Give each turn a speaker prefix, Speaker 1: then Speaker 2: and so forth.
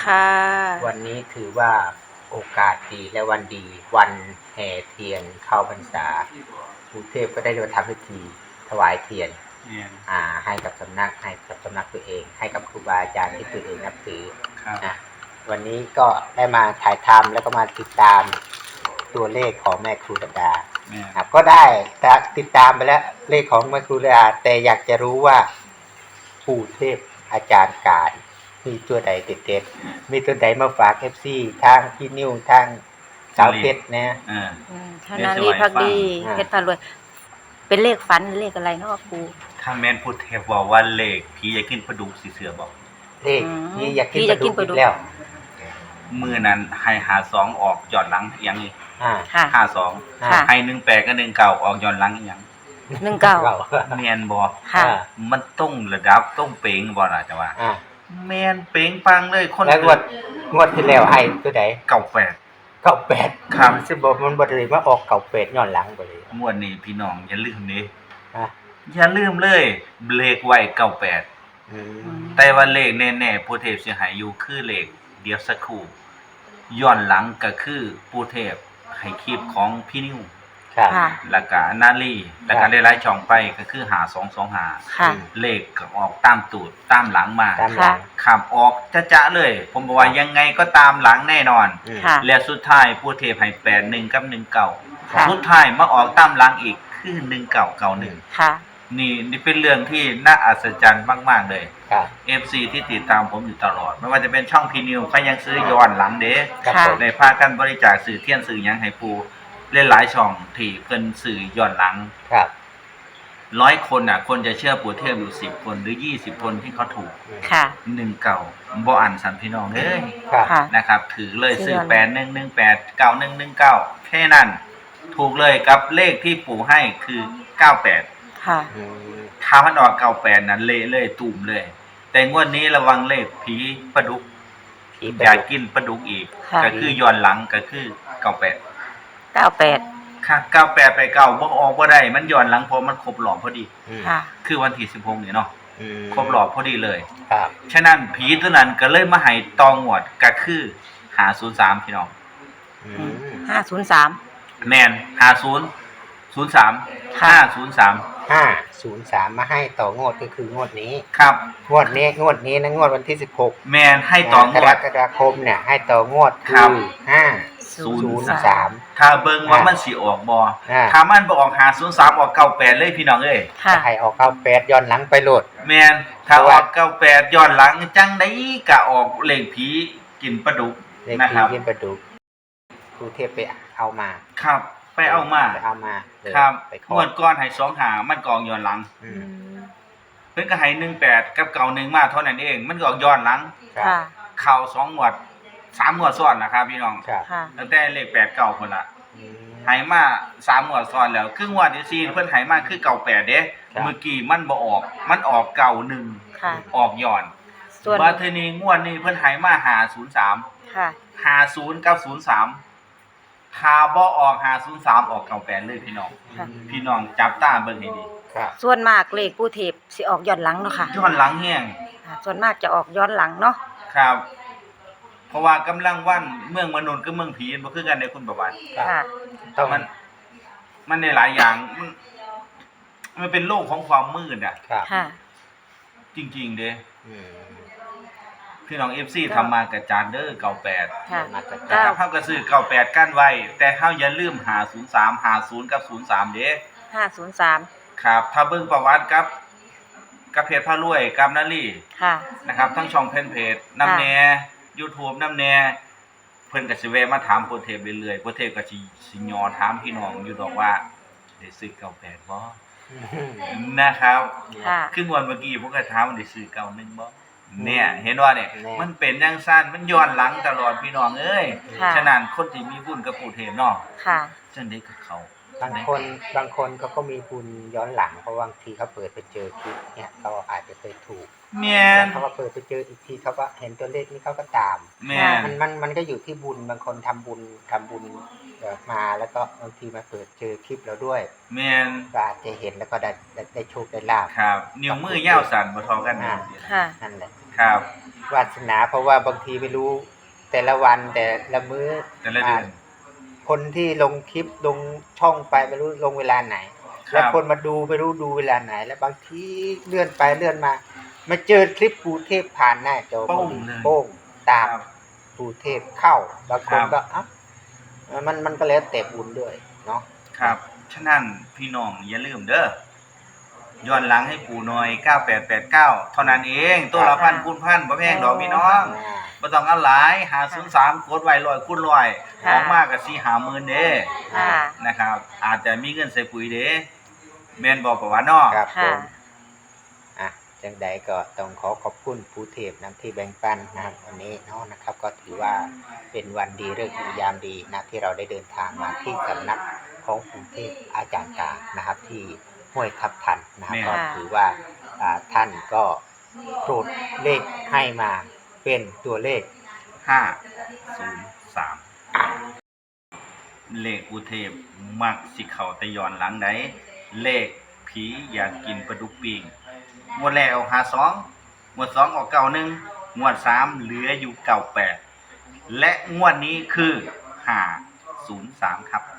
Speaker 1: ค่ะ
Speaker 2: วันนี้ถือว่าโอกาสดีและวันดีวันแห่เทียนเข้าพรรษากรุงเทพก็ได้มาทำพิธีถวายเทียนให้กับสำนักตัวเอง ให้กับครูบาอาจารย์ที่ตัวเองนับถือวันนี้ก็ได้มาถ่ายทำแล้วก็มาติดตามตัวเลขของแม่ครูดาก็ได้ติดตามไปแล้วเลขของแม่ครูดาแต่อยากจะรู้ว่าปู่เทพอาจารย์การมีตัวใดเด็ดๆมีตัวใดมาฝาก FC ทางพี่นิ้วทางสาวเพชรนะ
Speaker 1: ธนาลีพักดีเพชรพารวยเป็นเลขฝันเลขอะไรเนาะครู
Speaker 3: ถ้าแม่นพูดเทพว่าเลขผีอยากกินปลาดุกสิเสือบอก
Speaker 2: เลขผีอยากกินปลาดุกแล้ว
Speaker 3: มื้อนั้นให้52ออกย้อนหลังอีหยังนี่52ให้18กับ19ออกย้อนหลังอีหยัง19แม่นบ่มันต้องระดับต้องเป๋งบ่ล่ะจ้ะว่าแม่นเป๋งปังเลยคน
Speaker 2: แล้วงวดที่แล้วให้ตัวใด98ครับสิบ่มันบ่ได้มาออก98ย้อนหลังบ่เลย
Speaker 3: งวดนี้พี่น้องอย่าลืมเด้อย่าลืมเลยเลขไว้98แต่ว่าเลขแน่ๆปู่เทพสิให้อยู่คือเลขเดี๋ยวสักครู่ย้อนหลังก็คือปู่เทพให้คลิปของพี่นิ้วแล้วก็นาลีแล้วก็ได้หลายช่องไปก็คือ5225เลขก็ออกตามตูดตามหลังมาขับออกจะเลยผมบอกว่ายังไงก็ตามหลังแน่นอนแล้วสุดท้ายปู่เทพให้81กับ19สุดท้ายมาออกตามหลังอีกคือ1991
Speaker 1: ค่ะ
Speaker 3: นี่เป็นเรื่องที่น่าอัศจรรย์มากๆเลยFC ที่ติดตามผมอยู่ตลอดไม่ว่าจะเป็นช่องพีนิวเขายังซื้อย้อนหลังเด้ได้พากันบริจาคสื่อเทียนสื่อยังให้ปูเล่นหลายช่องที่เพิ่นสื่อย้อนหลัง100คนน่ะคนจะเชื่อปู่เทพอยู่10คนหรือ20คนที่เขาถูก19บ่อันสันพี่น้องเอ้ยนะครับถือเลยซื้อ8118 9119แค่นั้นถูกเลยกับเลขที่ปู่ให้คือ98ถ้ามันออก98นั้นเละเลยตุ่มเลยแต่งวดนี้ระวังเลขผีปลาดุกอยากกินปลาดุกอีกก็คือย้อนหลังก็คือ98ค่ะ98ไป9บ่ออกบ่ได้มันย้อนหลังเพราะมันครบรอบพอดีคือวันที่16นี่เนาะครบรอบพอดีเลยฉะนั้นผีตัวนั้นก็เลยมาให้ตองงวดก็คือ503พี่น้อง
Speaker 1: 503
Speaker 3: แม่น
Speaker 2: 503มาให้ต่องวดก็คืองวดนี้
Speaker 3: ครับ
Speaker 2: งวดนี้นะงวดวันที่16
Speaker 3: แม่นให้ต่องวด
Speaker 2: กรกฎาคมเนี่ยให้ต่องวดคือ503
Speaker 3: ถ้าเบิ่งว่ามันสิออกบ่ถ้ามันบ่ออก503ออก98เลยพี่น้องเอ้ย
Speaker 2: ให้ออก98ย้อนหลังไปโลด
Speaker 3: แม่นถ้าออก98ย้อนหลังจังได๋ก็ออกเลขผีกินปลาดุก
Speaker 2: นะครับกินปลาดุกครูเทพไปเอามา
Speaker 3: ครับไปเอามาครับงวดก่อนให้25มันก็ออกย้อนหลังเพิ่นก็ให้18กับ91มาเท่านั้นเองมันก็ออกย้อนหลังเข้า2งวด3งวดซ้อนนะครับพี่น้องตั้งแต่เลข8 9พุ่นล่ะให้มา3งวดซ้อนแล้วคืองวดที่4เพิ่นให้มาคือ98เด้เมื่อกี้มันบ่ออกมันออก91ออกย้อนว่าทีนี้งวดนี้เพิ่นให้มา503 50กับ03ถ้าบ่ออก503ออก98เลยพี่น้องจับตาเบิ่งให้ดี
Speaker 1: ส่วนมากเลขปู่เทพสิออกย้อนหลังเนาะค่ะ
Speaker 3: ย้อนหลังแฮง
Speaker 1: ส่วนมากจะออกย้อนหลังเนาะ
Speaker 3: ครับเพราะว่ากำลังวันเมืองมนุษย์กับเมืองผีบ่คือกันในคุณประวัติ
Speaker 2: ต้อง
Speaker 3: มันในหลายอย่างมันเป็นโลกของความมืดจริงๆเด้พี่น้อง FC ทำมากระจานเด้อ98นะครับเฮาก็ซื้อ98กั้นไว้แต่เฮาอย่าลืม503 50กับ03เด้
Speaker 1: 503
Speaker 3: ครับถ้าเบิ่งประวัติกับเพจพารวยกับนาลีนะครับทั้งช่องเพจนำแน่ YouTube นำแน่เพิ่นก็สิแวะมาถามโปรเทปเรื่อยๆโปรเทปก็สิย่อถามพี่น้องอยู่ดอกว่าได้ซื้อ98บ่นะครับคืองวดเมื่อกี้ผมก็ถามว่าได้ซื้อ91บ่เนี่ยเห็นว่าเนี่ยมันเป็นจังซั่นมันย้อนหลังตลอดพี่น้องเอ้ยฉะนั้นคนที่มีบุญกับปู่เทพเนาะจังได๋ก็เขา
Speaker 2: บางคนเขาก็มีบุญย้อนหลังเพราะบางทีเขาเปิดไปเจอคลิปเนี่ยเขาอาจจะเคยถูก
Speaker 3: แม่น
Speaker 2: เขาก็เปิดไปเจออีกทีเขาก็เห็นตัวเลขนี้เขาก็ตาม
Speaker 3: แม่
Speaker 2: นมันก็อยู่ที่บุญบางคนทำบุญมาแล้วก็บางทีมาเปิดเจอคลิปเราด้วย
Speaker 3: แม่น
Speaker 2: ก็อาจจะเห็นแล้วก็ได้โชคได้ลาภ
Speaker 3: ครับนิ้วมือยาวสั่นบ่เท่ากัน
Speaker 1: ค่ะ
Speaker 2: นั่นแหละ
Speaker 3: ครับ
Speaker 2: วาสนาเพราะว่าบางทีไม่รู้แต่ละวันแต่ละมื้อ
Speaker 3: แต่ละเดือน
Speaker 2: คนที่ลงคลิปลงช่องไปไม่รู้ลงเวลาไหน
Speaker 3: ครับ
Speaker 2: แล้วคนมาดูไม่รู้ดูเวลาไหน แล้วบางทีเลื่อนไปเลื่อนมาเจอคลิปปู่เทพผ่านหน้าจอ
Speaker 3: โป้งเลย
Speaker 2: โป้งตาม
Speaker 3: ครับ
Speaker 2: ปู่เทพเข้าบางคน
Speaker 3: ครับ
Speaker 2: ก็มันก็แล้วแต่บุญด้วยเนาะ
Speaker 3: ครับ ฉะนั้นพี่น้องอย่าลืมเด้อย้อนหลังให้ปู่หน่อย9889เท่านั้นเองตัวละพันคูณพันบ่แพงดอกพี่น้องบ่ต้องเอาหลาย503กดไว้100คูณ100ออกมาก็4-50,000เด้
Speaker 1: ค่ะ
Speaker 3: นะครับ อาจจะมีเงินใส่ปุ๋ยเด้แม่นบ่ประวัติเนาะ
Speaker 2: ครับผ
Speaker 1: ค่ะ
Speaker 2: มจังใดก็ต้องขอบคุณปู่เทพนำที่แบ่งปันนะครับวันนี้เนาะนะครับ ก็ถือว่าเป็นวันดีฤกษ์ดียามดีนะที่เราได้เดินทางมาที่สำนักของปู่เทพอาจารย์กลางนะครับ ที่ห้วยทับทันนะครับ
Speaker 3: แม่
Speaker 2: ก็ถือว่าท่านก็โปรดเลขให้มาเป็นตัวเลข
Speaker 3: 503เลขอุเทพมักสิเข้าแต่ย้อนหลังใดเลขผีอยากกินปลาดุกปิ้งงวดแรกเอา52งวด2เอา91งวด3เหลืออยู่98และงวดนี้คือ503ครับ